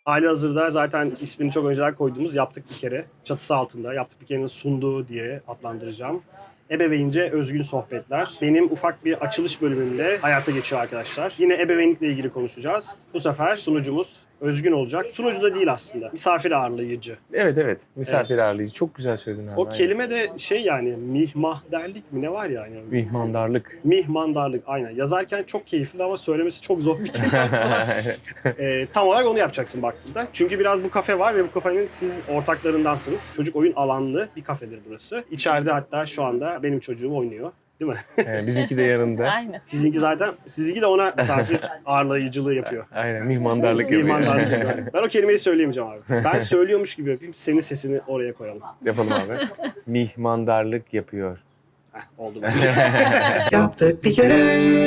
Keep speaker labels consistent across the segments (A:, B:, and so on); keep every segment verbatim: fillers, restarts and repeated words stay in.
A: Halihazırda zaten ismini çok önceden koyduğumuz Yaptık Bir Kere çatısı altında Yaptık Bir Kere'nin sunduğu diye adlandıracağım ebeveynce özgün sohbetler. Benim ufak bir açılış bölümünde hayata geçiyor arkadaşlar. Yine ebeveynlikle ilgili konuşacağız. Bu sefer sunucumuz özgün olacak. Sunucu da değil aslında. Misafir ağırlayıcı.
B: Evet evet. Misafir evet. ağırlayıcı. Çok güzel söyledin abi.
A: O kelime de şey yani mihmahderlik mi ne var yani?
B: Mihmandarlık.
A: Mihmandarlık aynen. Yazarken çok keyifli ama söylemesi çok zor bir kelime. e, tam olarak onu yapacaksın baktığında. Çünkü biraz bu kafe var ve bu kafenin siz ortaklarındansınız. Çocuk oyun alanlı bir kafedir burası. İçeride hatta şu anda benim çocuğum oynuyor. Değil mi?
B: Evet, bizimki de yanında.
C: Aynen.
A: Sizinki zaten, sizinki de ona misafir ağırlayıcılığı yapıyor.
B: Aynen, mihmandarlık yapıyor.
A: Mihmandarlık yapıyor. Ben o kelimeyi söyleyemeyeceğim abi. Ben söylüyormuş gibi yapayım, senin sesini oraya koyalım.
B: Yapalım abi. Mihmandarlık yapıyor.
A: Heh, oldu bence.
D: Yaptık bir kere.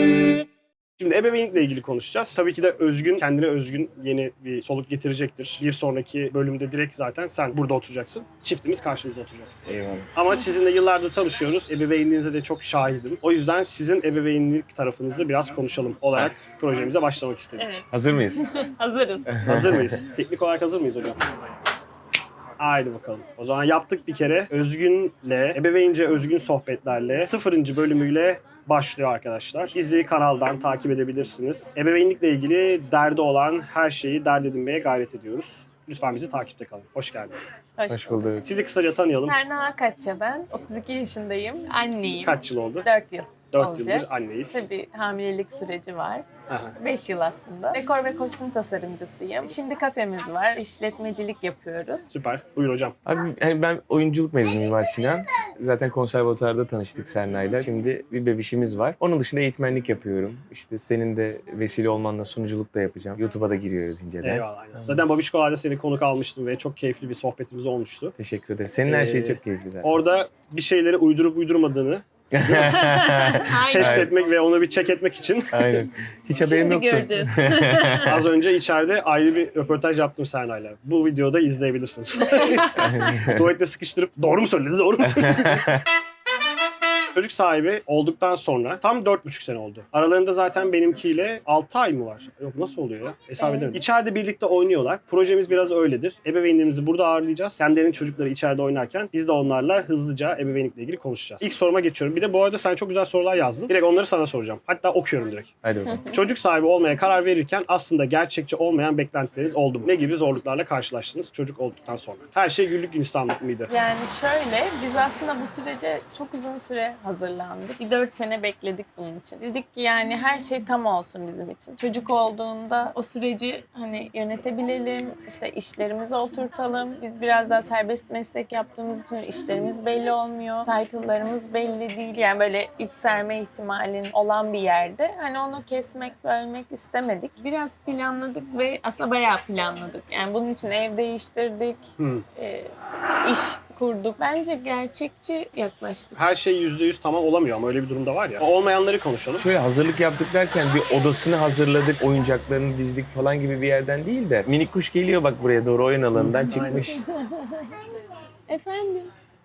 A: Şimdi ebeveynlikle ilgili konuşacağız. Tabii ki de özgün, kendine özgün yeni bir soluk getirecektir. Bir sonraki bölümde direkt zaten sen burada oturacaksın. Çiftimiz karşımızda oturacak.
B: Eyvallah.
A: Ama sizinle yıllardır tanışıyoruz. Ebeveynliğinize de çok şahidim. O yüzden sizin ebeveynlik tarafınızı biraz konuşalım olarak projemize başlamak istedik.
C: Evet.
B: Hazır mıyız?
C: Hazırız.
A: Hazır mıyız? Teknik olarak hazır mıyız hocam? Haydi bakalım. O zaman yaptık bir kere. Özgün'le, ebeveynce özgün sohbetlerle sıfırıncı bölümüyle başlıyor arkadaşlar. Bizleri kanaldan takip edebilirsiniz. Ebeveynlikle ilgili derdi olan her şeyi dert edinmeye gayret ediyoruz. Lütfen bizi takipte kalın. Hoş geldiniz.
C: Hoş,
B: Hoş bulduk.
A: Sizi kısaca tanıyalım.
C: Berna Akatça ben. otuz iki yaşındayım. Anneyim.
A: Kaç yıl oldu?
C: dört yıl
A: dört
C: olacak.
A: yıldır anneyiz.
C: Tabii hamilelik süreci var.
A: Aha.
C: beş yıl aslında. Dekor ve kostüm tasarımcısıyım. Şimdi kafemiz var. İşletmecilik yapıyoruz.
A: Süper. Buyur hocam.
B: Abi hani ben oyunculuk mezunuyum Mimar Sinan. Zaten konservatuarda tanıştık Serna'yla. Şimdi bir bebişimiz var. Onun dışında eğitmenlik yapıyorum. İşte senin de vesile olmanla sunuculuk da yapacağım. YouTube'a da giriyoruz inceden.
A: Eyvallah. Aynen. Zaten Babişkolar'da seni konuk almıştım ve çok keyifli bir sohbetimiz olmuştu.
B: Teşekkür ederim. Senin her şey
A: Ee,
B: çok keyifli zaten.
A: Orada bir şeyleri uydurup uydurmadığını test
B: Aynen.
A: etmek ve onu bir check etmek için
B: Aynen. Hiç haberim
C: Şimdi
B: yoktu.
C: göreceğiz.
A: az önce içeride ayrı bir röportaj yaptım Serna'yla. Bu videoda izleyebilirsiniz. Tuvalette sıkıştırıp doğru mu söyledi, doğru mu söyledi? Çocuk sahibi olduktan sonra tam dört buçuk sene oldu. Aralarında zaten benimkiyle altı ay mı var? Yok nasıl oluyor ya? Hesap
C: Evet.
A: edemedim. İçeride birlikte oynuyorlar. Projemiz biraz öyledir. Ebeveynlerimizi burada ağırlayacağız. Kendilerinin çocukları içeride oynarken biz de onlarla hızlıca ebeveynlikle ilgili konuşacağız. İlk soruma geçiyorum. Bir de bu arada sen çok güzel sorular yazdın. Direkt onları sana soracağım. Hatta okuyorum direkt.
B: Hadi bakalım.
A: Çocuk sahibi olmaya karar verirken aslında gerçekçi olmayan beklentileriniz oldu mu? Ne gibi zorluklarla karşılaştınız çocuk olduktan sonra? Her şey güllük gülistanlık mıydı?
C: Yani şöyle, biz aslında bu sürece çok uzun süre hazırlandık. Bir dört sene bekledik bunun için. Dedik ki yani her şey tam olsun bizim için. Çocuk olduğunda o süreci hani yönetebilelim, işte işlerimizi oturtalım. Biz biraz daha serbest meslek yaptığımız için işlerimiz belli olmuyor. Title'larımız belli değil. Yani böyle yükselme ihtimalin olan bir yerde. Hani onu kesmek, bölmek istemedik. Biraz planladık ve aslında bayağı planladık. Yani bunun için ev değiştirdik,
A: Hmm.
C: e, iş kurduk. Bence gerçekçi yaklaştık.
A: Her şey yüzde yüz tamam olamıyor ama öyle bir durumda var ya. Olmayanları konuşalım.
B: Şöyle hazırlık yaptık derken bir odasını hazırladık, oyuncaklarını dizdik falan gibi bir yerden değil de minik kuş geliyor bak buraya doğru oyun alanından çıkmış.
C: Efendim?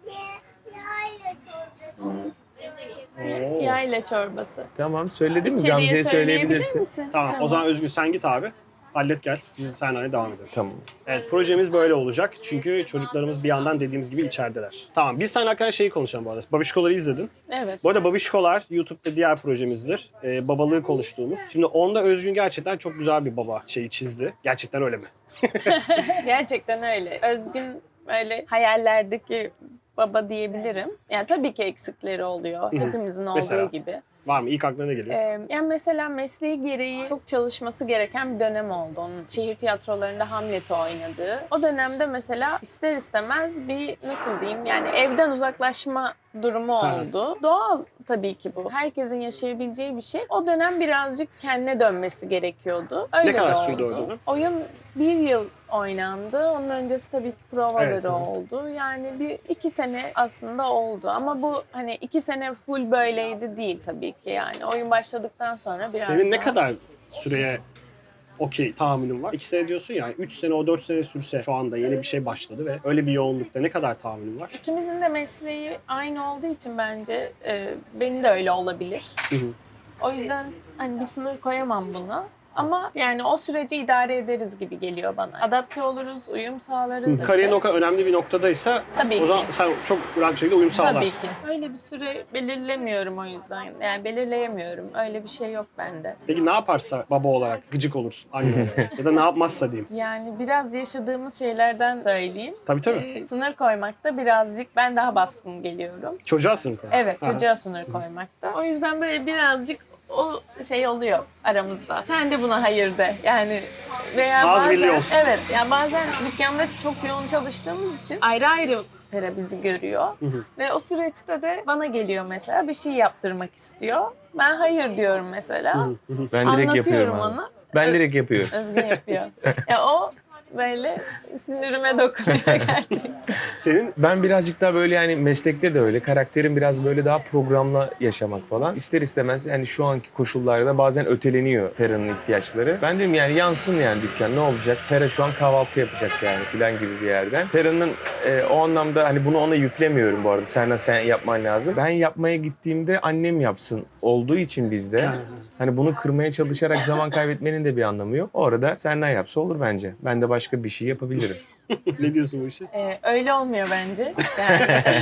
A: Oo.
C: Yayla çorbası.
B: Tamam söyledim mi?
C: İçeriye
B: Gamze'ye
C: söyleyebilir
B: söyleyebilirsin.
C: misin?
A: Tamam, o zaman Özgün sen git abi. Hallet gel. Biz seninle devam edelim.
B: Tamam.
A: Evet, projemiz böyle olacak. Çünkü çocuklarımız bir yandan dediğimiz gibi içerideler. Tamam, biz seninle hakkında şeyi konuşalım bu arada. Babişkolar'ı izledin.
C: Evet.
A: Bu arada Babişkolar YouTube'da diğer projemizdir. Ee, babalığı konuştuğumuz. Şimdi onda Özgün gerçekten çok güzel bir baba şeyi çizdi. Gerçekten öyle mi?
C: Gerçekten öyle. Özgün öyle hayallerdeki baba diyebilirim. Yani tabii ki eksikleri oluyor.
A: Hı hı.
C: Hepimizin olduğu
A: Mesela?
C: gibi.
A: Var mı? İlk aklına ne geliyor?
C: Ee, yani mesela mesleği gereği çok çalışması gereken bir dönem oldu. Onun şehir tiyatrolarında Hamlet'i oynadığı. O dönemde mesela ister istemez bir nasıl diyeyim yani evden uzaklaşma durumu oldu. Doğal tabii ki bu. Herkesin yaşayabileceği bir şey. O dönem birazcık kendine dönmesi gerekiyordu. Öyle
A: Ne kadar
C: de
A: sürdü
C: oldu.
A: o dönem?
C: Oyun bir yıl oynandı. Onun öncesi tabii ki provaları
A: Evet, hı.
C: oldu. Yani bir iki sene aslında oldu. Ama bu hani iki sene full böyleydi değil tabii ki yani. Oyun başladıktan sonra biraz
A: Senin ne
C: daha-
A: kadar süreye okey tahammülün var? İki sene diyorsun ya, üç sene o dört sene sürse şu anda yeni bir şey başladı ve öyle bir yoğunlukta ne kadar tahammülün var?
C: İkimizin de mesleği aynı olduğu için bence e, benim de öyle olabilir.
A: Hı hı.
C: O yüzden hani bir sınır koyamam buna. Ama yani o süreci idare ederiz gibi geliyor bana. Adapte oluruz, uyum sağlarız.
A: Kariyerin o kadar önemli bir noktadaysa
C: Tabii
A: o
C: ki.
A: zaman sen çok rahat bir şekilde uyum
C: Tabii
A: sağlarsın.
C: ki. Öyle bir süre belirlemiyorum o yüzden. Yani belirleyemiyorum. Öyle bir şey yok bende.
A: Peki ne yaparsa baba olarak gıcık olursun anne olarak ya da ne yapmazsa diyeyim.
C: Yani biraz yaşadığımız şeylerden söyleyeyim.
A: Tabii tabii.
C: Ee, sınır koymakta birazcık ben daha baskın geliyorum.
A: Çocuğa sınır koy.
C: Evet,
A: Ha.
C: çocuğa sınır koymakta. O yüzden böyle birazcık o şey oluyor aramızda. Sen de buna hayır de. Yani veya
A: Az
C: bazen
A: birliği olsun.
C: evet ya bazen dükkanda çok yoğun çalıştığımız için ayrı ayrı Pera bizi görüyor.
A: Hı hı.
C: Ve o süreçte de bana geliyor mesela bir şey yaptırmak istiyor. Ben hayır diyorum mesela.
A: Hı hı.
B: Ben direkt yapıyorum
C: Anlatıyorum
B: abi.
C: ona.
B: Ben direkt yapıyorum.
C: Özgün yapıyor. Ya o böyle sinirime dokunuyor gerçekten.
A: Senin
B: Ben birazcık daha böyle yani meslekte de öyle. Karakterim biraz böyle daha programla yaşamak falan. İster istemez yani şu anki koşullarda bazen öteleniyor Pera'nın ihtiyaçları. Ben diyorum yani yansın yani dükkan ne olacak? Pera şu an kahvaltı yapacak yani filan gibi bir yerden. Pera'nın e, o anlamda hani bunu ona yüklemiyorum bu arada. Sen sen yapman lazım. Ben yapmaya gittiğimde annem yapsın olduğu için bizde. Hani bunu kırmaya çalışarak zaman kaybetmenin de bir anlamı yok. O arada senden yapsa olur bence. Ben de başka bir şey yapabilirim.
A: ne diyorsun bu işe?
C: Ee, öyle olmuyor bence. Yani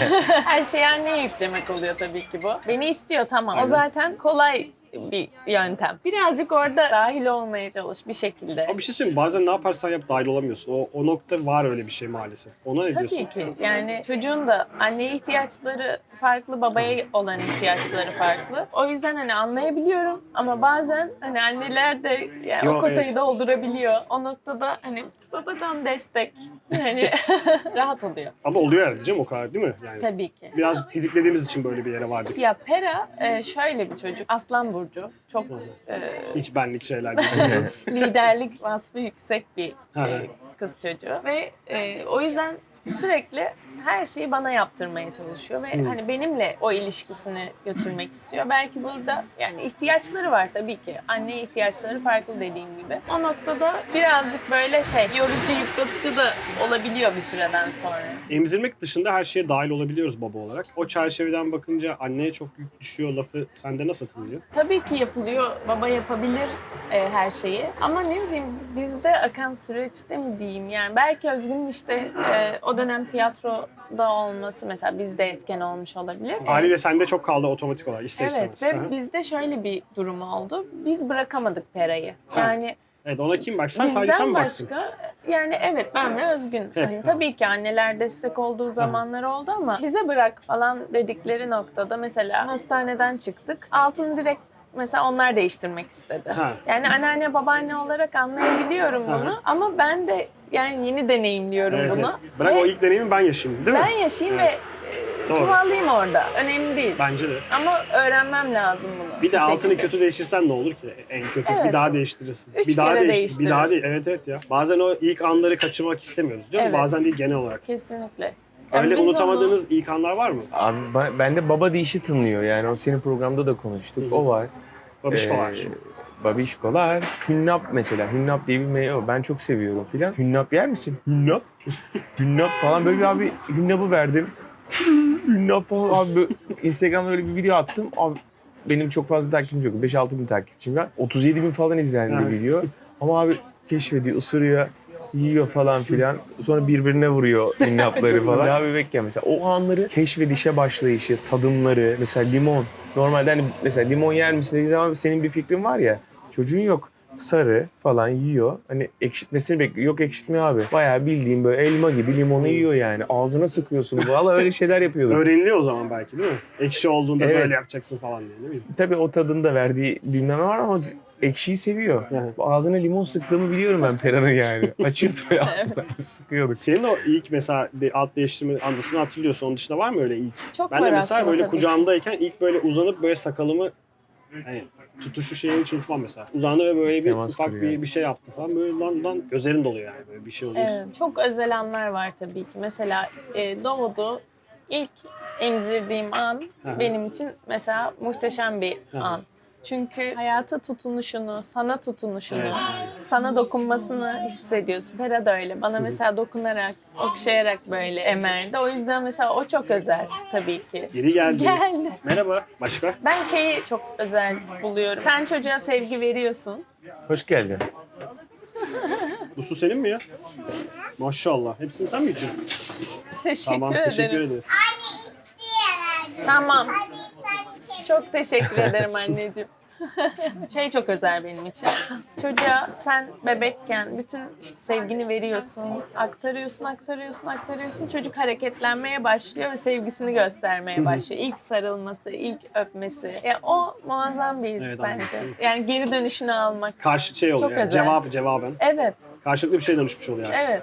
C: her şeyi anneye yüklemek oluyor tabii ki bu. Beni istiyor tamam.
A: Aynen.
C: O zaten kolay bir yöntem. Birazcık orada dahil olmaya çalış bir şekilde.
A: Ama bir şey söyleyeyim bazen ne yaparsan yap dahil olamıyorsun. O, o nokta var öyle bir şey maalesef. Ona ne diyorsun?
C: Tabii ki. Yani çocuğun da anneye ihtiyaçları farklı, babaya olan ihtiyaçları farklı. O yüzden hani anlayabiliyorum ama bazen hani anneler de yani
A: Yo,
C: o kotayı
A: evet.
C: doldurabiliyor. O noktada hani babadan destek hani rahat oluyor.
A: Ama oluyor herhalde canım o kadar değil mi? Yani
C: Tabii ki.
A: biraz didiklediğimiz için böyle bir yere vardık.
C: Ya Pera e, şöyle bir çocuk. Aslan burcu. Çok e,
A: Hiç benlik şeyler değil.
C: liderlik vasfı yüksek bir
A: Hı hı.
C: e, kız çocuğu ve e, o yüzden sürekli her şeyi bana yaptırmaya çalışıyor ve
A: Hmm.
C: hani benimle o ilişkisini götürmek istiyor. Belki burada yani ihtiyaçları var tabii ki. Anne ihtiyaçları farklı dediğim gibi. O noktada birazcık böyle şey yorucu, yıpratıcı da olabiliyor bir süreden sonra.
A: Emzirmek dışında her şeye dahil olabiliyoruz baba olarak. O çerçeveden bakınca anneye çok yük düşüyor lafı sende nasıl atılıyor?
C: Tabii ki yapılıyor. Baba yapabilir e, her şeyi. Ama ne bileyim bizde akan süreçte mi diyeyim yani belki Özgün'ün işte e, o dönem tiyatroda olması mesela bizde etken olmuş olabilir.
A: Haliyle sende çok kaldı otomatik olarak ister
C: Evet
A: istemez. Hı
C: ve
A: hı.
C: bizde şöyle bir durum oldu. Biz bırakamadık Pera'yı.
A: Ha.
C: Yani
A: Evet ona kim bak? Sen sadece sen
C: bizden
A: mi baktın?
C: başka yani evet ben ve Özgün.
A: Hep,
C: Hani
A: ha.
C: tabii ki anneler destek olduğu zamanlar oldu ama bize bırak falan dedikleri noktada mesela hastaneden çıktık. Altını direkt mesela onlar değiştirmek istedi.
A: Ha.
C: Yani anneanne babaanne olarak anlayabiliyorum bunu
A: Evet.
C: ama ben de yani yeni deneyimliyorum
A: Evet,
C: bunu.
A: evet. Bırak
C: Ve
A: o ilk deneyimi ben yaşayayım değil mi?
C: ben yaşayayım
A: Evet.
C: ve e,
A: Doğru.
C: çuvallayayım orada. Önemli değil.
A: Bence de.
C: Ama öğrenmem lazım bunu.
A: Bir de altını
C: şekilde.
A: kötü değiştirsen ne olur ki? En kötü
C: Evet.
A: bir daha değiştirirsin.
C: Üç
A: bir daha
C: kere
A: değiştir. Bir daha değil.
C: değiştiririz.
A: Evet evet ya. Bazen o ilk anları kaçırmak istemiyoruz. Değil mi?
C: Evet.
A: Bazen değil genel olarak.
C: Kesinlikle. Yani
A: Öyle
C: biz
A: unutamadığınız
C: onu-
A: ilk anlar var mı?
B: Abi ben- bende baba deyişi tınlıyor yani o senin programda da konuştuk.
A: Hı hı.
B: O var.
A: Babişkolar.
B: Ee, babişkolar. Hünnap mesela. Hünnap diye bir meyve var. Ben çok seviyorum filan. Hünnap yer misin? Hünnap. Hünnap falan böyle bir abi hünnapı verdim. Hünnap falan abi böyle Instagram'da öyle bir video attım. Abi benim çok fazla takipçim yok. beş altı bin takipçim var. otuz yedi bin falan izlendi
A: Evet.
B: video. Ama abi keşfediyor, ısırıyor, yiyor falan filan. Sonra birbirine vuruyor hünnapları falan. Daha bebekken mesela o anları keşfedişe başlayışı, tadımları. Mesela limon. Normalde hani mesela limon yer misin dediği zaman senin bir fikrin var ya. Çocuğun yok. Sarı falan yiyor. Hani ekşitmesini bekliyor. Yok ekşitmiyor abi. Bayağı bildiğin böyle elma gibi limonu yiyor yani. Ağzına sıkıyorsun. Valla öyle şeyler yapıyorduk.
A: Öğreniliyor o zaman belki değil mi? Ekşi olduğunda
B: Evet.
A: böyle yapacaksın falan diye ne bileyim.
B: Tabii o tadın da verdiği bilmem ne var ama ekşiyi seviyor.
A: Evet.
B: Ağzına limon sıktığımı biliyorum ben Pera'nın yani. Açıyordu böyle ağzına sıkıyorduk.
A: Senin o ilk mesela de, alt değiştirme andısını hatırlıyorsun. Onun dışında var mı öyle ilk?
C: Çok
A: Ben
C: var
A: de mesela
C: aslında
A: böyle
C: tabii ki.
A: kucağımdayken ilk böyle uzanıp böyle sakalımı hani tutuşu şeyini hiç unutmam mesela. Uzandı ve böyle bir
B: Temas
A: ufak
B: kuruyor.
A: bir, bir şey yaptı falan. Böyle lan lan gözlerin doluyor yani böyle bir şey oluyorsun.
C: Evet, çok özel anlar var tabii ki. Mesela e, doğdu. İlk emzirdiğim an
A: Hı hı.
C: benim için mesela muhteşem bir
A: Hı hı.
C: an. Çünkü hayata tutunuşunu, sana tutunuşunu,
A: Evet.
C: sana dokunmasını hissediyorsun. Pera da öyle. Bana mesela dokunarak, okşayarak böyle emerdi. O yüzden mesela o çok özel tabii ki.
A: Geri geldi.
C: Geldi.
A: Merhaba. Başka?
C: Ben şeyi çok özel buluyorum. Sen çocuğa sevgi veriyorsun.
B: Hoş geldin.
A: Bu su senin mi ya? Maşallah. Hepsini sen mi içiyorsun?
C: Teşekkür
A: Tamam.
C: ederim.
A: Teşekkür ederiz.
C: Tamam. Çok teşekkür ederim anneciğim. Şey çok özel benim için. Çocuğa sen bebekken bütün işte sevgini veriyorsun, aktarıyorsun, aktarıyorsun, aktarıyorsun. Çocuk hareketlenmeye başlıyor ve sevgisini göstermeye başlıyor. İlk sarılması, ilk öpmesi. Yani o muazzam bir his
A: Evet,
C: bence.
A: anladım.
C: Yani geri dönüşünü almak.
A: Karşı şey oluyor.
C: Çok
A: Yani.
C: özel.
A: Cevap, cevaben.
C: Evet,
A: Karşılıklı bir şey danışmış oluyor artık.
C: evet.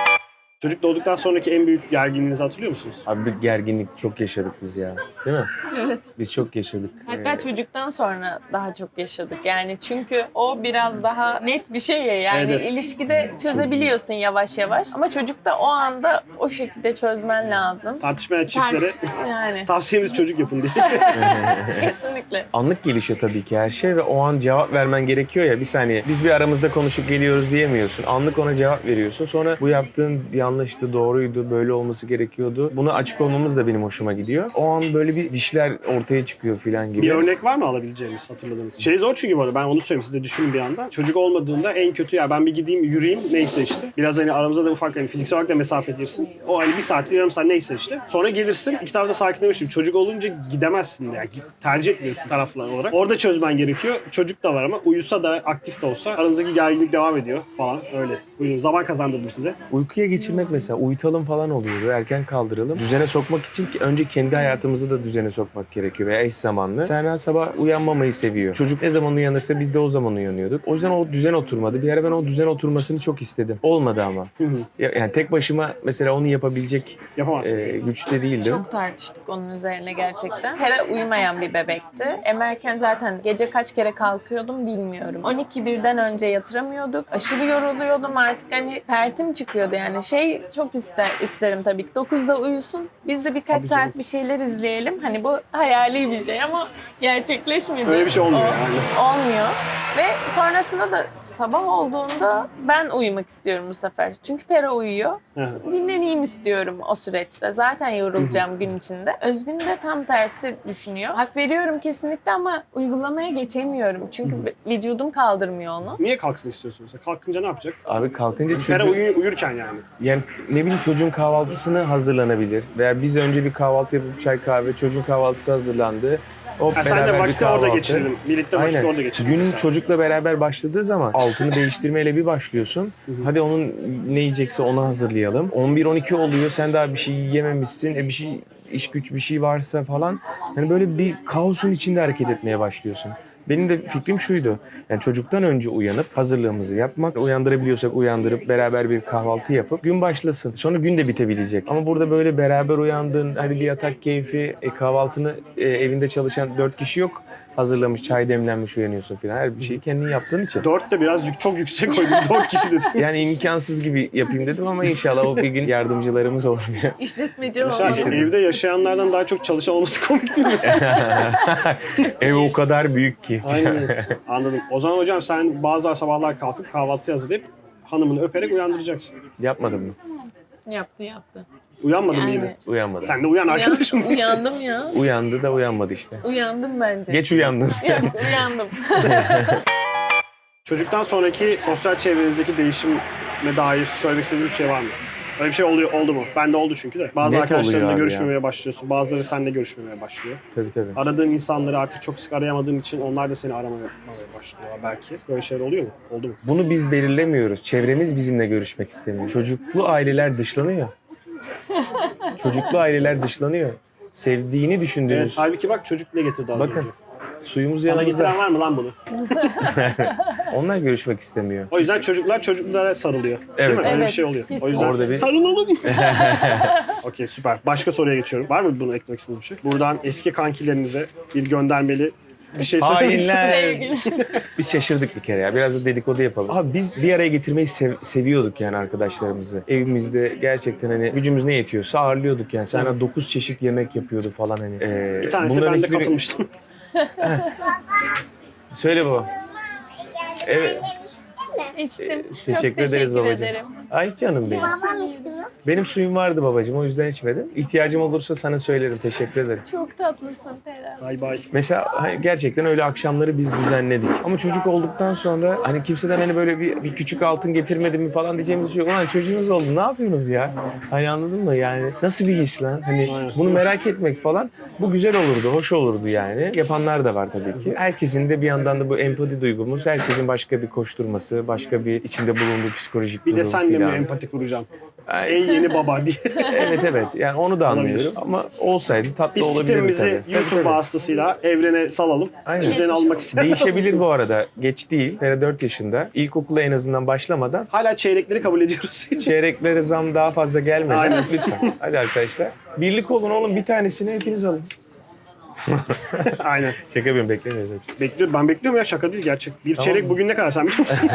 A: Çocuk doğduktan sonraki en büyük gerginliğinizi hatırlıyor musunuz?
B: Abi bir gerginlik çok yaşadık biz ya. Değil mi?
C: Evet.
B: Biz çok yaşadık.
C: Hatta
B: Ee,
C: çocuktan sonra daha çok yaşadık. Yani çünkü o biraz daha net bir şey ya. Yani
A: Evet.
C: ilişkide çözebiliyorsun yavaş yavaş. Ama çocukta o anda o şekilde çözmen lazım.
A: Tartışmayan çiftlere
C: Tartış- yani
A: tavsiyemiz çocuk yapın diye.
C: kesinlikle.
B: Anlık gelişiyor tabii ki her şey ve o an cevap vermen gerekiyor ya, bir saniye. Biz bir aramızda konuşup geliyoruz diyemiyorsun. Anlık ona cevap veriyorsun. Sonra bu yaptığın yanlıştı, doğruydu, böyle olması gerekiyordu. Buna açık olmamız da benim hoşuma gidiyor. O an böyle bir dişler ortaya çıkıyor filan gibi.
A: Bir örnek var mı alabileceğimiz, hatırladığınız? Şey zor çünkü bu arada, ben onu söyleyeyim, siz de düşünün bir anda. Çocuk olmadığında en kötü ya ben bir gideyim yürüyeyim neyse işte. Biraz hani aramızda da ufak hani fiziksel olarak da mesafe girsin. O hani bir saattir yarım saat neyse işte. Sonra gelirsin iki tarafta sakinlemişim. Çocuk olunca gidemezsin de yani tercih etmiyorsun taraflar olarak. Orada çözmen gerekiyor. Çocuk da var ama uyusa da aktif de olsa aranızdaki gerginlik devam ediyor falan öyle. Buyurun, zaman kazandırdım size.
B: Uykuya geçirmek mesela, uyutalım falan oluyordu, erken kaldıralım. Düzene sokmak için ki önce kendi hayatımızı da düzene sokmak gerekiyor veya eş zamanlı. Serna sabah uyanmamayı seviyor. Çocuk ne zaman uyanırsa biz de o zaman uyanıyorduk. O yüzden o düzen oturmadı. Bir ara ben o düzen oturmasını çok istedim. Olmadı ama.
A: Hı hı.
B: Ya- Yani tek başıma mesela onu yapabilecek
A: Yapamazsın.
B: e, güçte değildim.
C: Çok tartıştık onun üzerine gerçekten. Hera uyumayan bir bebekti. Emerken zaten gece kaç kere kalkıyordum bilmiyorum. on iki birden önce yatıramıyorduk. Aşırı yoruluyordum artık, hani pertim çıkıyordu yani. Şey çok ister, isterim tabii ki. dokuzda uyusun. Biz de birkaç
A: Tabii canım.
C: saat bir şeyler izleyelim. Hani bu hayali bir şey ama gerçekleşmedi.
A: Öyle bir şey olmuyor
C: O-
A: yani.
C: Olmuyor. Ve sonrasında da sabah olduğunda ben uyumak istiyorum bu sefer. Çünkü Pera uyuyor.
A: Hı hı.
C: Dinleneyim istiyorum o süreçte. Zaten yorulacağım gün içinde. Özgün de tam tersi düşünüyor. Hak veriyorum kesinlikle ama uygulamaya geçemiyorum. Çünkü vücudum kaldırmıyor onu.
A: Niye kalksın istiyorsun mesela? Kalkınca ne yapacak?
B: Abi kalkınca
A: Pera
B: çocuk...
A: uyu, uyurken yani.
B: Yani ne bileyim, çocuğun kahvaltısını hazırlanabilir. Veya biz önce bir kahvaltı yapıp çay kahve, çocuğun kahvaltısı hazırlandı. O
A: Ha, sen de
B: beraber bir
A: vakti orada
B: kahvaltı.
A: geçirelim. Birlikte vakti
B: Aynen.
A: orada geçirelim.
B: Gün
A: mesela.
B: çocukla beraber başladığı zaman altını değiştirmeyle bir başlıyorsun. Hadi onun ne yiyecekse onu hazırlayalım. on bir on iki oluyor, sen daha bir şey yememişsin. E bir şey, iş güç bir şey varsa falan. Hani böyle bir kaosun içinde hareket etmeye başlıyorsun. Benim de fikrim şuydu. Yani çocuktan önce uyanıp hazırlığımızı yapmak, uyandırabiliyorsak uyandırıp beraber bir kahvaltı yapıp gün başlasın. Sonra gün de bitebilecek. Ama burada böyle beraber uyandın, hadi bir yatak keyfi, e, kahvaltını e, evinde çalışan dört kişi yok. Hazırlamış, çay demlenmiş, uyanıyorsun falan. Her bir şeyi kendin yaptığın için.
A: Dört de biraz yük, çok yüksek koydum. Dört kişi dedim.
B: Yani imkansız gibi yapayım dedim ama inşallah o bir gün yardımcılarımız olur.
C: İşletmeci
A: Mesela
C: olmalı.
A: evde yaşayanlardan daha çok çalışan olması komik değil mi?
B: Ev o kadar büyük ki.
A: Aynen. Anladım. O zaman hocam sen bazı sabahlar kalkıp kahvaltı hazırlayıp hanımını öperek uyandıracaksın.
B: Yapmadın mı?
C: Yaptı yaptı.
A: Uyanmadın mı
C: Yani-
A: yine?
B: Uyanmadı.
A: Sen de uyan arkadaşım.
C: Uyan- uyandım ya.
B: Uyandı da uyanmadı işte.
C: Uyandım bence.
B: Geç uyandın.
C: Yok, uyandım.
A: Çocuktan sonraki sosyal çevrenizdeki değişime dair söylemek istediğiniz bir şey var mı? Öyle bir şey oluyor, oldu mu? Bende oldu çünkü de. Bazı
B: Net
A: arkadaşlarınla
B: oluyor abi
A: görüşmemeye başlıyorsun. Bazıları seninle görüşmemeye başlıyor.
B: Tabii tabii.
A: Aradığın insanları artık çok sık arayamadığın için onlar da seni aramaya başlıyor belki. Böyle şeyler oluyor mu? Oldu mu?
B: Bunu biz belirlemiyoruz. Çevremiz bizimle görüşmek istemiyor. Çocuklu aileler dışlanıyor. Çocuklu aileler dışlanıyor. Sevdiğini
A: Evet,
B: düşündüğünüz...
A: halbuki bak çocuk ne getirdi az
B: Bakın,
A: önce.
B: suyumuz
A: Sana
B: yanımızda.
A: getiren var mı lan bunu?
B: Onlar görüşmek istemiyor.
A: O yüzden çocuklar çocuklara sarılıyor. Değil
B: Evet.
A: mi? Öyle bir
C: Evet,
A: şey oluyor.
C: kesin.
A: O yüzden
B: Orada bir-
A: sarılalım. Okey, süper. Başka soruya geçiyorum. Var mı bunu eklemek istediğiniz bir şey? Buradan eski kankilerinize bir göndermeli bir şey söylemek istedim.
B: Hainler.
C: Sevgili.
B: Biz şaşırdık bir kere ya. Biraz da dedikodu yapalım. Abi biz bir araya getirmeyi sev- seviyorduk yani arkadaşlarımızı. Evimizde gerçekten hani gücümüz ne yetiyorsa ağırlıyorduk yani. Sana dokuz çeşit yemek yapıyordu falan hani. Ee,
A: Bir tanesi
B: bunların
A: ben de
B: hiçbiri-
A: katılmıştım.
B: Söyle baba. Evet.
C: İçtim.
B: Teşekkür
C: Çok
B: ederiz
C: teşekkür
B: babacığım.
C: ederim.
B: Ay canım benim.
E: Babam içti mi?
B: Benim suyum vardı babacığım, o yüzden içmedim. İhtiyacım olursa sana söylerim. Teşekkür ederim.
C: Çok tatlısın Ferhat.
A: Bay bay.
B: Mesela hani gerçekten öyle akşamları biz düzenledik. Ama çocuk olduktan sonra hani kimseden hani böyle bir, bir küçük altın getirmedi mi falan diyeceğimiz şey yok. Ulan çocuğunuz oldu, ne yapıyorsunuz ya? Hani anladın mı yani? Nasıl bir his lan? Hani bunu merak etmek falan, bu güzel olurdu, hoş olurdu yani. Yapanlar da var tabii ki. Herkesin de bir yandan da bu empati duygumuz, herkesin başka bir koşturması, başka bir içinde bulunduğu psikolojik
A: Bir
B: durum
A: de senle mi
B: filan.
A: empati kuracağım?
B: Ay,
A: Ey yeni baba diye.
B: evet evet, yani onu da anlıyorum.
A: Olabilir.
B: Ama olsaydı tatlı
A: Biz
B: olabilirdi
A: sitemizi
B: tabii. Tabii,
A: YouTube
B: tabii.
A: vasıtasıyla evrene salalım.
B: Aynen.
A: Üzerine almak isteyen
B: Değişebilir bu arada. Geç değil. Fera dört yaşında. İlkokula en azından başlamadan
A: Hala çeyrekleri kabul ediyoruz.
B: çeyreklere zam daha fazla gelmeden
A: Aynen.
B: lütfen. Hadi arkadaşlar. Birlik olun oğlum, bir tanesini hepiniz alın.
A: Aynen.
B: Şaka yapıyorum, beklemiyoruz hepsi.
A: Bekliyorum. Ben bekliyorum ya, şaka değil gerçek. Bir
B: Tamam.
A: çeyrek bugün ne kadar sen biliyor musun?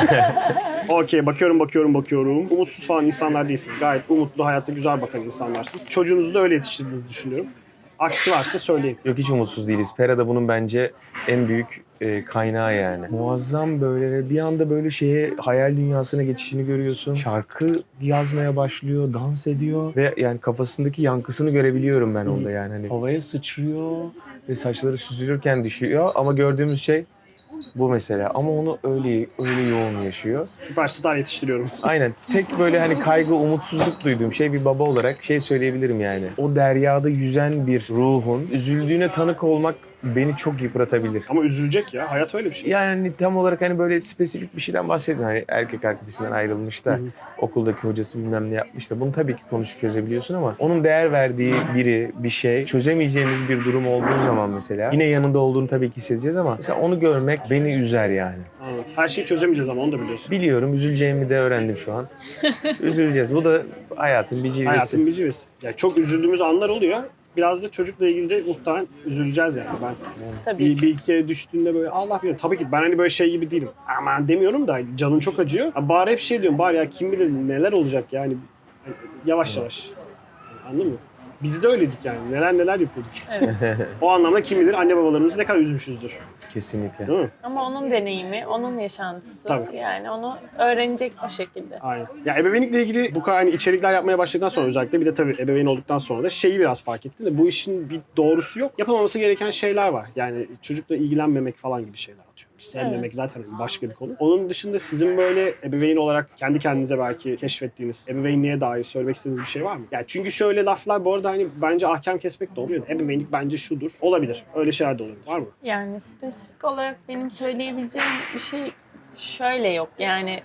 A: Okey, bakıyorum bakıyorum bakıyorum. Umutsuz falan insanlar değilsiniz. Gayet umutlu, hayatta güzel bakan insanlarsınız. Çocuğunuzu da öyle yetiştirdiğinizi düşünüyorum. Aksi varsa söyleyin.
B: Yok, hiç umutsuz değiliz. Pera da bunun bence en büyük e, kaynağı yani. Muazzam böyle ve bir anda böyle şeye, hayal dünyasına geçişini görüyorsun. Şarkı yazmaya başlıyor, dans ediyor ve yani kafasındaki yankısını görebiliyorum ben onda yani. Hani havaya sıçrıyor ve saçları süzülürken düşüyor ama gördüğümüz şey bu mesela. Ama onu öyle öyle yoğun yaşıyor.
A: Süperstar yetiştiriyorum.
B: Aynen. Tek böyle hani kaygı, umutsuzluk duyduğum şey bir baba olarak şey söyleyebilirim yani. O deryada yüzen bir ruhun üzüldüğüne tanık olmak beni çok yıpratabilir.
A: Ama üzülecek ya. Hayat öyle bir şey.
B: Yani tam olarak hani böyle spesifik bir şeyden bahsetmiyorum. Hani erkek arkadaşından ayrılmış da okuldaki hocası bilmem ne yapmış da bunu tabii ki konuşup çözebiliyorsun ama onun değer verdiği biri, bir şey, çözemeyeceğimiz bir durum olduğu zaman mesela yine yanında olduğunu tabii ki hissedeceğiz ama mesela onu görmek beni üzer yani.
A: Anladım. Her şeyi çözemeyeceğiz ama onu da biliyorsun.
B: Biliyorum, üzüleceğimi de öğrendim şu an. Üzüleceğiz. Bu da hayatın bir cilvesi.
A: Hayatın bir civesi. Yani çok üzüldüğümüz anlar oluyor. Biraz da çocukla ilgili de muhtemelen üzüleceğiz yani. Ben
C: Tabii
A: bir,
C: ki.
A: bir iki kere düştüğünde böyle Allah bilir. Tabii ki ben hani böyle şey gibi değilim. Aman demiyorum da canın çok acıyor. Ha, bari hep şey diyorum. Bari ya kim bilir neler olacak yani. Yani yavaş yavaş. Anladın mı? Biz de öyleydik yani. Neler neler yapıyorduk.
C: Evet.
A: O anlamda kim bilir anne babalarımızı ne kadar üzmüşüzdür.
B: Kesinlikle.
A: Değil mi?
C: Ama onun deneyimi, onun yaşantısı.
A: Tabii.
C: Yani onu öğrenecek o şekilde.
A: Aynen. Ya ebeveynlikle ilgili bu kadar hani içerikler yapmaya başladıktan sonra özellikle bir de tabii ebeveyn olduktan sonra da şeyi biraz fark ettim de bu işin bir doğrusu yok. Yapılmaması gereken şeyler var. Yani çocukla ilgilenmemek falan gibi şeyler atıyor. Sevmemek
C: Evet.
A: zaten başka bir konu. Onun dışında sizin böyle ebeveyn olarak kendi kendinize belki keşfettiğiniz ebeveynliğe dair söylemek istediğiniz bir şey var mı? Yani çünkü şöyle laflar bu arada hani bence ahkam kesmek de olmuyor. Ebeveynlik bence şudur. Olabilir. Öyle şeyler de olabilir. Var mı?
C: Yani spesifik olarak benim söyleyebileceğim bir şey şöyle yok. Yani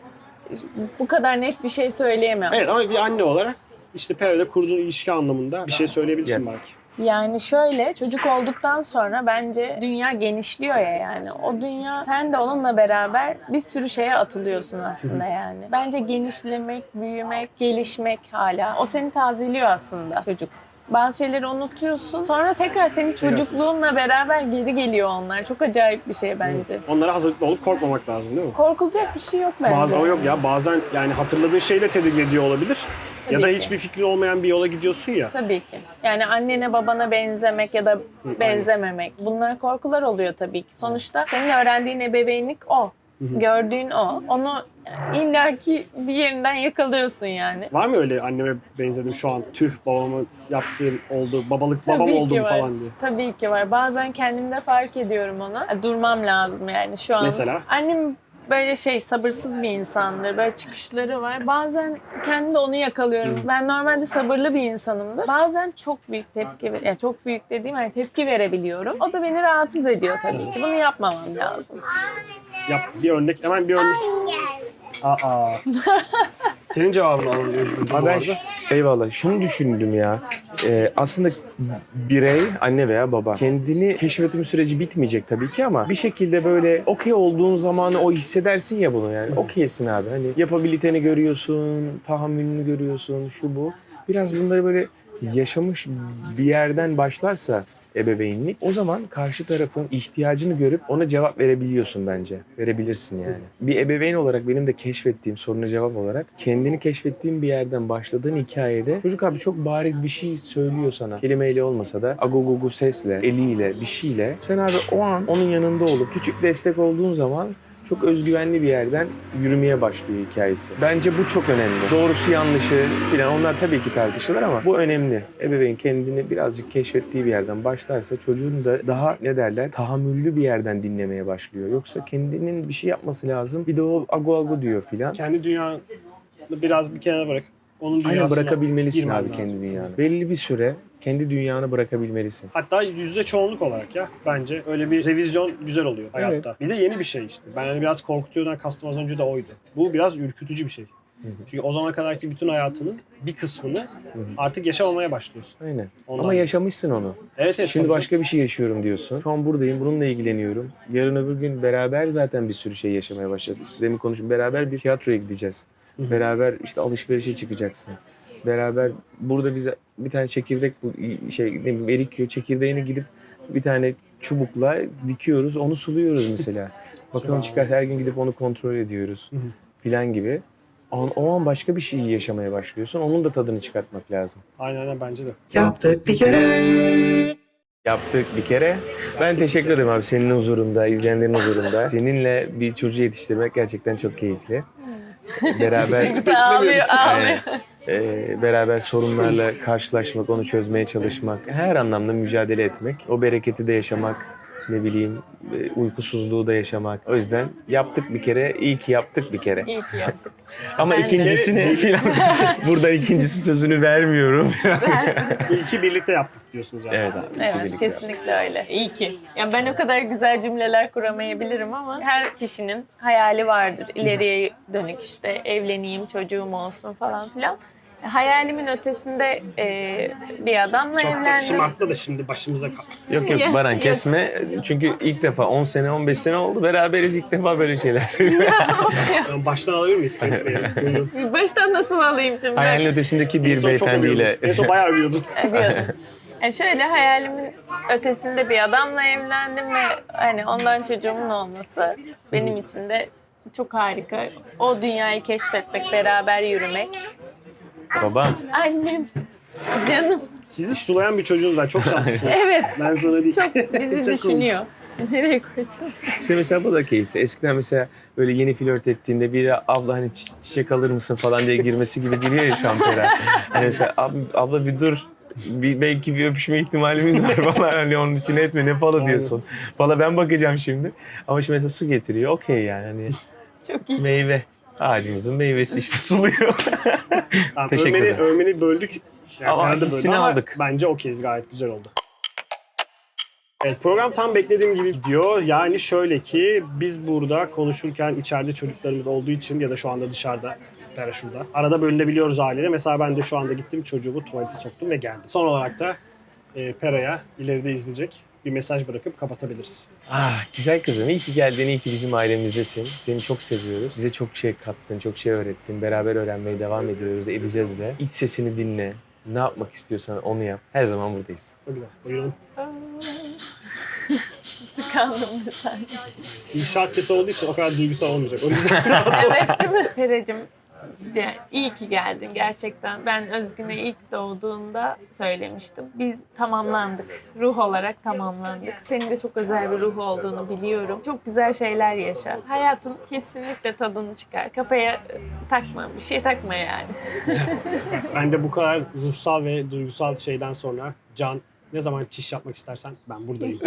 C: bu kadar net bir şey söyleyemem.
A: Evet ama bir anne olarak işte Pera'yla kurduğun ilişki anlamında bir şey söyleyebilirsin
B: Yeah.
A: belki.
C: Yani şöyle, çocuk olduktan sonra bence dünya genişliyor ya yani. O dünya, sen de onunla beraber bir sürü şeye atılıyorsun aslında yani. Bence genişlemek, büyümek, gelişmek hala. O seni tazeliyor aslında çocuk. Bazı şeyleri unutuyorsun. Sonra tekrar senin çocukluğunla beraber geri geliyor onlar. Çok acayip bir şey bence.
A: Onlara hazırlıklı olup korkmamak lazım değil mi?
C: Korkulacak bir şey yok bence.
A: Bazen ama yok ya bazen yani hatırladığın şeyle tedirgin ediyor olabilir. Ya da
C: Tabii ki.
A: hiçbir fikrin olmayan bir yola gidiyorsun ya.
C: Tabii ki. Yani annene babana benzemek ya da benzememek. Bunlar korkular oluyor tabii ki. Sonuçta senin öğrendiğin ebeveynlik o. Gördüğün o. Onu illaki bir yerinden yakalıyorsun yani.
A: Var mı öyle anneme benzedim şu an tüh babamın yaptığım oldu babalık babam
C: Tabii ki
A: oldum
C: var.
A: falan diye.
C: Tabii ki var. Bazen kendimde fark ediyorum ona. Durmam lazım yani şu an.
A: Mesela?
C: Annem böyle şey sabırsız bir insandır. Böyle çıkışları var. Bazen kendimde onu yakalıyorum. Ben normalde sabırlı bir insanımdır. Bazen çok büyük tepki, ver- yani çok büyük dediğim hani tepki verebiliyorum. O da beni rahatsız ediyor tabii ki. Bunu yapmamam lazım.
A: Yap bir örnek hemen bir örnek. Aa. Senin cevabını alalım Özgür.
B: Abi ben şu- eyvallah. Şunu düşündüm ya. Ee, aslında birey, anne veya baba kendini keşfetme süreci bitmeyecek tabii ki ama bir şekilde böyle okey olduğun zamanı o hissedersin ya bunu yani. Okeysin abi. Hani yapabiliteni görüyorsun, tahammülünü görüyorsun, şu bu. Biraz bunları böyle yaşamış bir yerden başlarsa ebeveynlik. O zaman karşı tarafın ihtiyacını görüp ona cevap verebiliyorsun bence. Verebilirsin yani. Bir ebeveyn olarak benim de keşfettiğim soruna cevap olarak kendini keşfettiğin bir yerden başladığın hikayede çocuk abi çok bariz bir şey söylüyor sana. Kelimeyle olmasa da agogogu sesle, eliyle, bir şeyle. Sen abi o an onun yanında olup küçük destek olduğun zaman çok özgüvenli bir yerden yürümeye başlıyor hikayesi. Bence bu çok önemli. Doğrusu yanlışı filan onlar tabii ki tartışılır ama bu önemli. Ebeveyn kendini birazcık keşfettiği bir yerden başlarsa çocuğun da daha ne derler tahammüllü bir yerden dinlemeye başlıyor. Yoksa kendinin bir şey yapması lazım. Bir de o ago ago diyor filan.
A: Kendi dünyanı biraz bir kenara bırak. Onun
B: Aynen
A: dünyasına
B: bırakabilmelisin
A: girmen
B: abi
A: lazım.
B: kendi dünyanı. Belli bir süre kendi dünyanı bırakabilmelisin.
A: Hatta yüzde çoğunluk olarak ya bence öyle bir revizyon güzel oluyor hayatta. Bir de yeni bir şey işte. Ben hani biraz korkutuyordan kastım az önce de oydu. Bu biraz ürkütücü bir şey. Çünkü o zamana kadarki bütün hayatının bir kısmını artık yaşamamaya başlıyorsun.
B: Aynen.
A: Ondan
B: Ama yaşamışsın onu.
A: Evet, evet.
B: Şimdi
A: tabii
B: başka bir şey yaşıyorum diyorsun. Şu an buradayım, bununla ilgileniyorum. Yarın öbür gün beraber zaten bir sürü şey yaşamaya başlayacağız. İşte demin konuştum, beraber bir tiyatroya gideceğiz. Beraber işte alışverişe çıkacaksın. Beraber burada bize bir tane çekirdek bu şey ne bileyim erik yiyor. Çekirdeğini gidip bir tane çubukla dikiyoruz. Onu suluyoruz mesela. Bakalım çıkar her gün gidip onu kontrol ediyoruz. Filan gibi. O an, o an başka bir şeyi yaşamaya başlıyorsun. Onun da tadını çıkartmak lazım.
A: Aynen aynen bence de.
D: Yaptık bir kere.
B: Yaptık bir kere. Ben teşekkür ederim abi senin huzurunda, izleyenlerin huzurunda. Seninle bir çocuğu yetiştirmek gerçekten çok keyifli. Beraber
C: Ağlıyor, ağlıyor.
B: Ee, beraber sorunlarla karşılaşmak, onu çözmeye çalışmak, her anlamda mücadele etmek, o bereketi de yaşamak, ne bileyim e, uykusuzluğu da yaşamak. O yüzden yaptık bir kere, iyi ki yaptık bir kere.
C: İyi ki yaptık.
B: Ama
C: Ben de.
B: ikincisini filan burada ikincisi sözünü vermiyorum.
A: İlki birlikte yaptık diyorsunuz yani.
B: Evet abi.
C: Evet,
B: kesinlikle.
C: kesinlikle öyle. İyi ki. Yani ben o kadar güzel cümleler kuramayabilirim ama her kişinin hayali vardır. İleriye dönük işte evleneyim, çocuğum olsun falan filan. Hayalimin ötesinde e, bir adamla
A: Çok da
C: evlendim.
A: şımartma da şimdi başımıza kaldı.
B: Yok yok
C: Ya,
B: Baran
C: yok.
B: kesme. Çünkü ilk defa on sene on beş sene oldu beraberiz ilk defa böyle şeyler söylüyoruz.
A: Yani baştan alabilir miyiz kesmeyi? Buyurun.
C: Baştan nasıl alayım şimdi?
B: Hayalin ötesindeki
A: En
B: bir
A: son çok
B: beyefendiyle.
A: övüyordun. En son bayağı övüyordun.
C: Övüyordum. Yani şöyle hayalimin ötesinde bir adamla evlendim ve hani ondan çocuğumun olması benim için de çok harika. O dünyayı keşfetmek, beraber yürümek.
B: Babam.
C: Annem, canım.
A: Sizi sulayan bir çocuğunuz var. Çok şanslısınız.
C: Evet,
A: Ben sana değil.
C: çok bizi
A: Çok
C: düşünüyor. Nereye koyacağım?
B: İşte mesela bu da keyifli. Eskiden mesela böyle yeni flört ettiğinde biri abla hani çi- çiçek alır mısın falan diye girmesi gibi giriyor ya şampiyona. Hani mesela ab, abla bir dur. Bir, belki bir öpüşme ihtimalimiz var falan. Hani onun için etme ne falan diyorsun. Valla ben bakacağım şimdi. Ama şimdi mesela su getiriyor. Okey yani. Hani
C: Çok iyi.
B: meyve. Ağacımızın meyvesi işte suluyor.
A: Tamam,
B: Teşekkür
A: övmeni,
B: ederim.
A: övmeni böldük. Yani
B: Ama
A: arada
B: hissini
A: böldü ama
B: aldık.
A: Bence okeyiz. Gayet güzel oldu. Evet, program tam beklediğim gibi gidiyor. Yani şöyle ki biz burada konuşurken içeride çocuklarımız olduğu için ya da şu anda dışarıda Pera şurada. Arada bölünebiliyoruz aileyle. Mesela ben de şu anda gittim çocuğumu tuvalete soktum ve geldi. Son olarak da e, Pera'ya ileride izleyecek bir mesaj bırakıp kapatabiliriz.
B: Ah güzel kızım. İyi ki geldin. İyi ki bizim ailemizdesin. Seni çok seviyoruz. Bize çok şey kattın, çok şey öğrettin. Beraber öğrenmeye devam ediyoruz. Edeceğiz de. İç sesini dinle. Ne yapmak istiyorsan onu yap. Her zaman buradayız.
A: Çok güzel. Buyurun.
C: Tıkandım bir saniye.
A: İnşaat sesi olduğu için o kadar duygusal olmayacak. O yüzden
C: Evet değil mi? Peracığım, yani iyi ki geldin gerçekten. Ben Özgün'e ilk doğduğunda söylemiştim. Biz tamamlandık. Ruh olarak tamamlandık. Senin de çok özel bir ruh olduğunu biliyorum. Çok güzel şeyler yaşa. Hayatın kesinlikle tadını çıkar. Kafaya takma, bir şey takma yani.
A: ben de bu kadar ruhsal ve duygusal şeyden sonra Can ne zaman çiş yapmak istersen ben buradayım.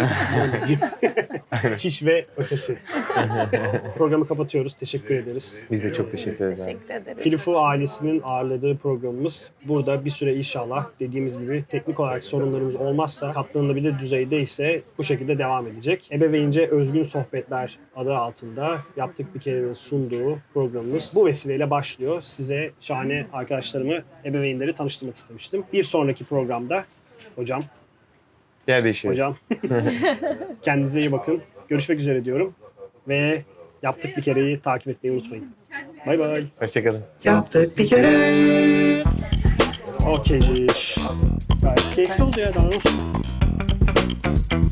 A: Çiş ve ötesi. Programı kapatıyoruz. Teşekkür ederiz.
B: Biz de çok teşekkür ederiz. abi.
C: Teşekkür ederiz.
A: Filifu ailesinin ağırladığı programımız burada bir süre inşallah dediğimiz gibi teknik olarak sorunlarımız olmazsa katlanılabilir düzeydeyse bu şekilde devam edecek. Ebeveynce Özgün Sohbetler adı altında yaptık bir kere sunduğu programımız bu vesileyle başlıyor. Size şahane arkadaşlarımı, ebeveynleri tanıştırmak istemiştim. Bir sonraki programda hocam,
B: Yer değişiyoruz.
A: hocam kendinize iyi bakın. Görüşmek üzere diyorum ve yaptık bir kereyi takip etmeyi unutmayın. Bay bay.
B: Hoşçakalın.
D: Yaptık bir kere.
A: Okeydir. Gayet keyifli oldu ya, daha ne olsun. Görüşürüz.